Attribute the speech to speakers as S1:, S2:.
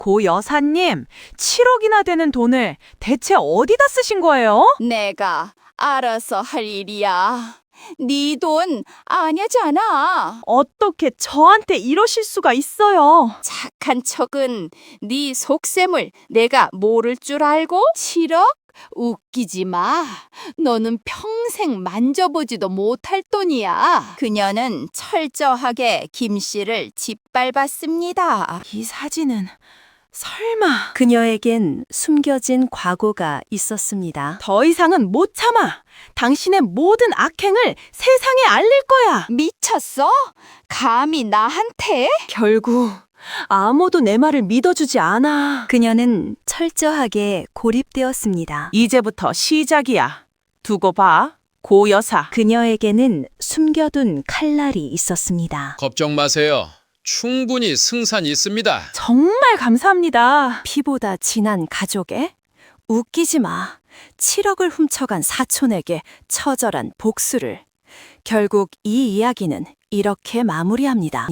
S1: 고 여사님, 7억이나 되는 돈을 대체 어디다 쓰신 거예요?
S2: 내가 알아서 할 일이야. 네 돈 아냐잖아.
S1: 어떻게 저한테 이러실 수가 있어요?
S2: 착한 척은 네 속셈을 내가 모를 줄 알고? 7억? 웃기지 마. 너는 평생 만져보지도 못할 돈이야. 그녀는 철저하게 김 씨를 짓밟았습니다.
S1: 이 사진은 설마
S3: 그녀에겐 숨겨진 과거가 있었습니다.
S1: 더 이상은 못 참아. 당신의 모든 악행을 세상에 알릴 거야.
S2: 미쳤어? 감히 나한테?
S1: 결국 아무도 내 말을 믿어주지 않아.
S3: 그녀는 철저하게 고립되었습니다.
S1: 이제부터 시작이야. 두고 봐, 고 여사.
S3: 그녀에게는 숨겨둔 칼날이 있었습니다.
S4: 걱정 마세요. 충분히 승산이 있습니다.
S1: 정말 감사합니다.
S3: 피보다 진한 가족에? 웃기지 마. 7억을 훔쳐간 사촌에게 처절한 복수를. 결국 이 이야기는 이렇게 마무리합니다.